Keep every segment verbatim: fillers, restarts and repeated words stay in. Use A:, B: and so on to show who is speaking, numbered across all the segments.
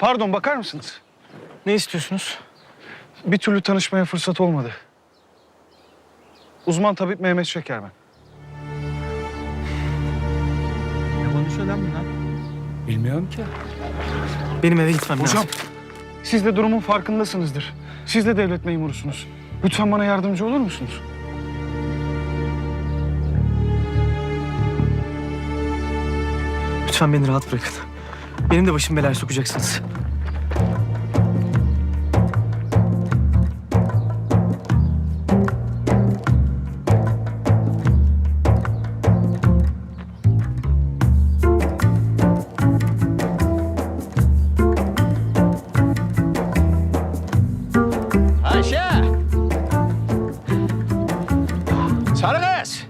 A: Pardon, bakar mısınız?
B: Ne istiyorsunuz?
A: Bir türlü tanışmaya fırsat olmadı. Uzman tabip Mehmet Şeker ben.
B: Ne konuşuyor lan bunlar?
A: Bilmiyorum ki.
B: Benim eve gitmem
A: Hocam,
B: lazım.
A: siz de durumun farkındasınızdır. Siz de devlet memurusunuz. Lütfen bana yardımcı olur musunuz?
B: Lütfen beni rahat bırakın. Benim de başım belaya sokacaksınız.
C: Ayşe! Sarı kız!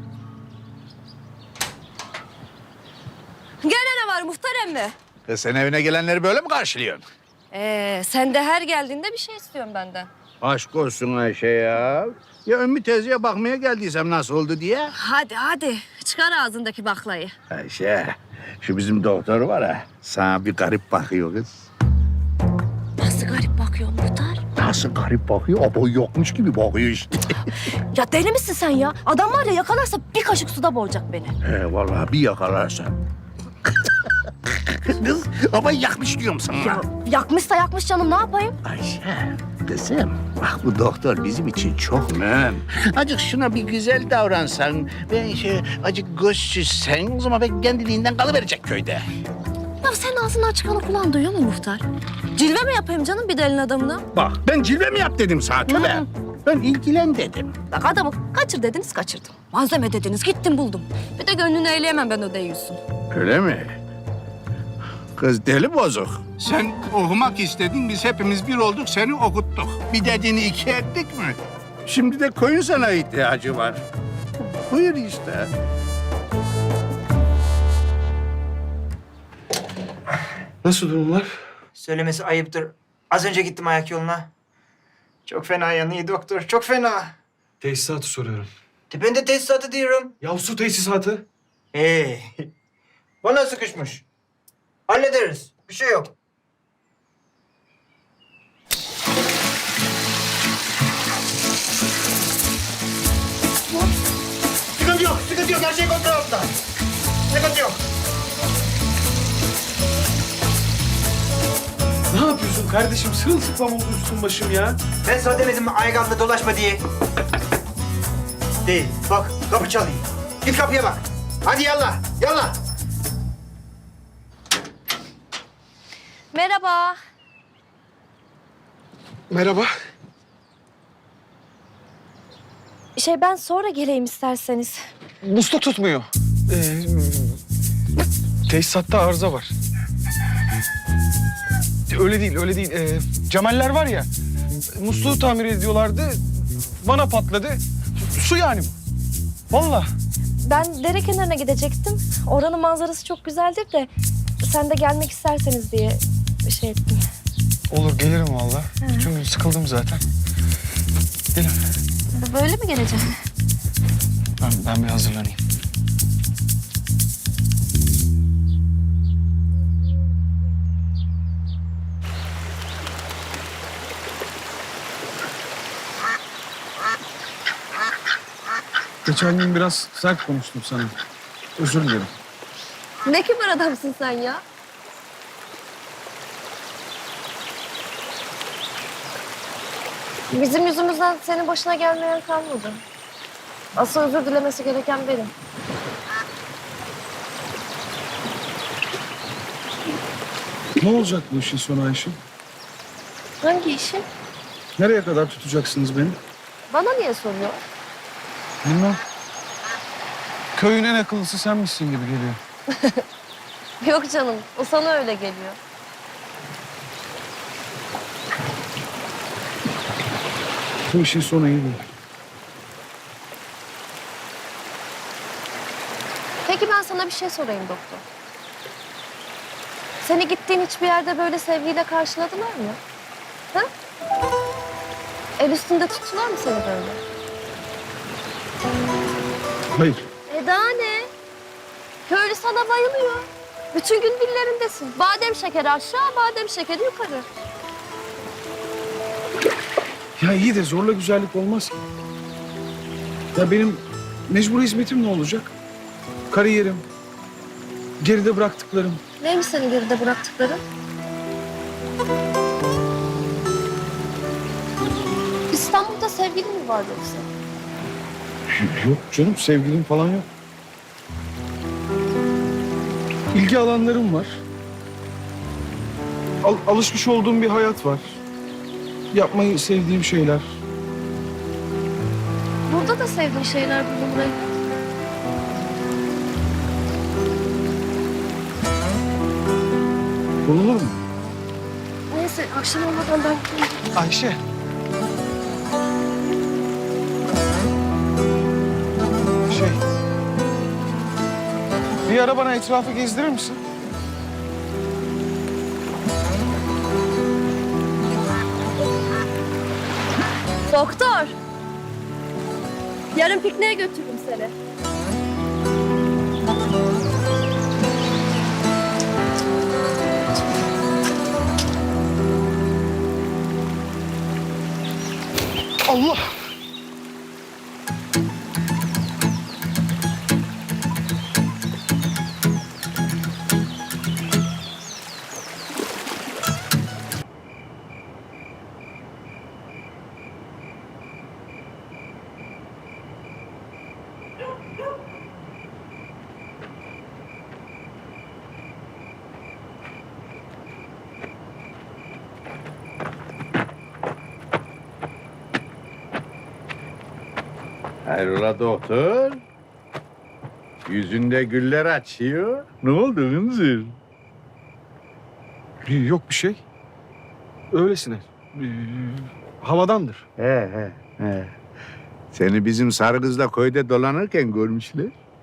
D: Gene ne var muhtar emmi?
C: Kız sen evine gelenleri böyle mi karşılıyorsun?
D: Ee, sen de her geldiğinde bir şey istiyorsun benden.
C: Aşk olsun Ayşe ya. Ya Ümmü teyzeye bakmaya geldiysem nasıl oldu diye.
D: Hadi hadi çıkar ağzındaki baklayı.
C: Ayşe, şu bizim doktor var ha. Sana bir garip bakıyor kız.
D: Nasıl garip bakıyor muhtar?
C: Nasıl garip bakıyor? O boy yokmuş gibi bakıyor işte.
D: Ya deli misin sen ya? Adam var ya yakalarsa bir kaşık suda boğacak beni.
C: He vallahi bir yakalarsan. Kız ama yakmış diyorum sana.
D: Ya yakmışsa yakmış canım ne yapayım?
C: Ayşe, kızım bak bu doktor bizim için çok mühim. Acık şuna bir güzel davransan, ben şey acık göz süzsen o zaman ben kendiliğinden kalıverecek köyde.
D: Ya sen ağzından çıkanı kulağın duyuyor mu muhtar? Cilve mi yapayım canım bir delin adamına?
C: Bak ben cilve mi yap dedim sana tövbe.
D: Hı.
C: Ben ilgilen dedim.
D: Bak adamı kaçır dediniz kaçırdım. Malzeme dediniz gittim buldum. Bir de gönlünü eğleyemem ben o deyiyorsun.
C: Öyle mi? Kız deli bozuk. Sen okumak istedin, biz hepimiz bir olduk, seni okuttuk. Bir dediğini iki ettik mi? Şimdi de koyun sana ihtiyacı var. Buyur işte.
A: Nasıl durumlar?
B: Söylemesi ayıptır. Az önce gittim ayak yoluna. Çok fena yanıyor doktor, çok fena.
A: Tesisatı soruyorum.
B: De ben de tesisatı diyorum.
A: Ya su tesisatı.
B: Hey, bana sıkışmış. Hallederiz, bir şey yok. Sıkıntı yok, sıkıntı yok. Her şey kontrol altında. Sıkıntı yok.
A: Ne yapıyorsun kardeşim? Sırılsıklam oldu üstüm başım ya.
B: Ben sana demedim mi ayağımda dolaşma diye? Değil. Bak kapı çalıyor. Git kapıya bak. Hadi yallah, yallah.
D: Merhaba.
A: Merhaba.
D: Şey ben sonra geleyim isterseniz.
A: Muslu tutmuyor. Ee, tesisatta arıza var. Öyle değil, öyle değil. Ee, Cemaller var ya, musluğu tamir ediyorlardı. Bana patladı. Su yani bu. Vallahi.
D: Ben dere kenarına gidecektim. Oranın manzarası çok güzeldir de sen de gelmek isterseniz diye şey ettim.
A: Olur, gelirim vallahi. Bütün gün sıkıldım zaten. Gidelim.
D: Böyle mi geleceğim?
A: Ben, ben bir hazırlanayım. Geçen gün biraz sert konuştum sana. Özür dilerim.
D: Ne kibar adamsın sen ya. Bizim yüzümüzden senin başına gelmeyen kalmadı. Asıl özür dilemesi gereken benim.
A: Ne olacak bu işin sonu Ayşe?
D: Hangi işi?
A: Nereye kadar tutacaksınız beni?
D: Bana niye soruyor?
A: Bilmem. Köyün en akıllısı sen misin gibi geliyor.
D: Yok canım, o sana öyle geliyor.
A: Bu işin sonu iyi değil.
D: Peki ben sana bir şey sorayım doktor. Seni gittiğin hiçbir yerde böyle sevgiyle karşıladılar mı? Ha? El üstünde tuttular mı seni böyle?
A: Hayır.
D: E daha ne? Köylü sana bayılıyor. Bütün gün dillerindesin. Badem şekeri aşağı, badem şekeri yukarı.
A: Ya iyi de zorla güzellik olmaz ki. Ya benim mecbur hizmetim ne olacak? Kariyerim, geride bıraktıklarım.
D: Neymiş senin geride bıraktıkların? İstanbul'da sevgilin mi var yoksa?
A: Yok canım, sevgilim falan yok. İlgi alanlarım var. Al- alışmış olduğum bir hayat var. Yapmayı sevdiğim şeyler.
D: Burada da sevdiğin şeyler bulunur elbet.
A: Bulunur mu?
D: Neyse akşam olmadan ben gideyim.
A: Ayşe. Şey... Bir ara bana etrafı gezdirir misin?
D: Doktor. Yarın pikniğe götürürüm seni.
A: Allah!
C: Hayrola doktor? Yüzünde güller açıyor. Ne oldu Hınzır?
A: Yok bir şey. Öylesine. Ee, havadandır.
C: He he he. Seni bizim sarı kızla köyde dolanırken görmüşler.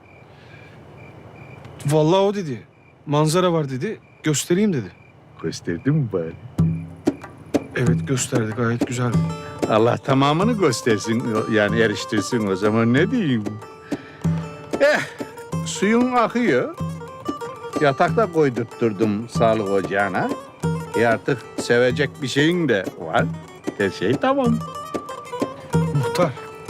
A: Vallahi o dedi. Manzara var dedi. Göstereyim dedi.
C: Gösterdin mi bari?
A: Evet gösterdi. Gayet güzel.
C: Allah tamamını göstersin, yani eriştirsin o zaman ne diyeyim? Eh, suyun akıyor. Yatakta koydurtturdum sağlık ocağına. E artık sevecek bir şeyin de var. Her şey tamam.
A: Muhtar.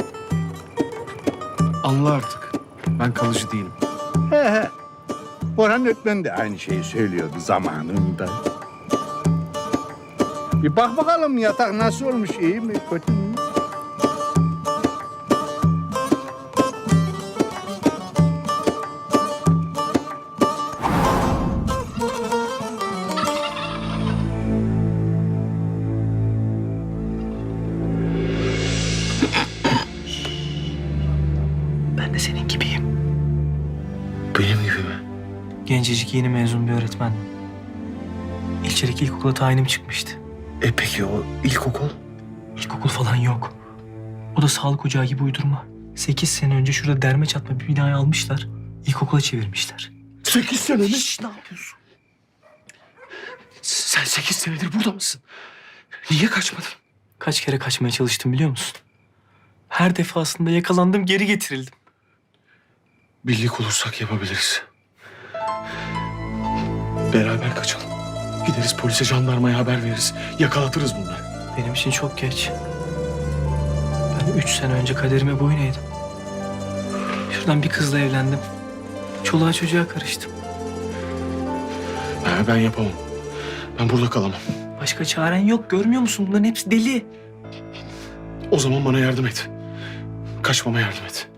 A: Anla artık. Ben kalıcı değilim.
C: He he. Orhan Ökmen de aynı şeyi söylüyordu zamanında. Bir bak bakalım yatak nasıl olmuş, iyi mi, kötü mü?
B: Ben de senin gibiyim.
A: Benim gibi mi?
B: Gencecik yeni mezun bir öğretmendim. İlçedeki ilkokula tayinim çıkmıştı.
A: E peki o ilkokul?
B: İlkokul falan yok. O da sağlık ocağı gibi uydurma. Sekiz sene önce şurada derme çatma bir binayı almışlar. İlkokula çevirmişler.
A: Sekiz sene mi?
B: Şşş, ne yapıyorsun?
A: Sen sekiz senedir burada mısın? Niye kaçmadın?
B: Kaç kere kaçmaya çalıştım biliyor musun? Her defasında yakalandım, geri getirildim.
A: Birlik olursak yapabiliriz. Beraber kaçalım. Gideriz polise, jandarmaya haber veririz. Yakalatırız bunları.
B: Benim için çok geç. Ben üç sene önce kaderime boyun eğdim. Şuradan bir kızla evlendim. Çoluğa çocuğa karıştım.
A: Ha, ben yapamam. Ben burada kalamam.
B: Başka çaren yok, görmüyor musun? Bunların hepsi deli.
A: O zaman bana yardım et. Kaçmama yardım et.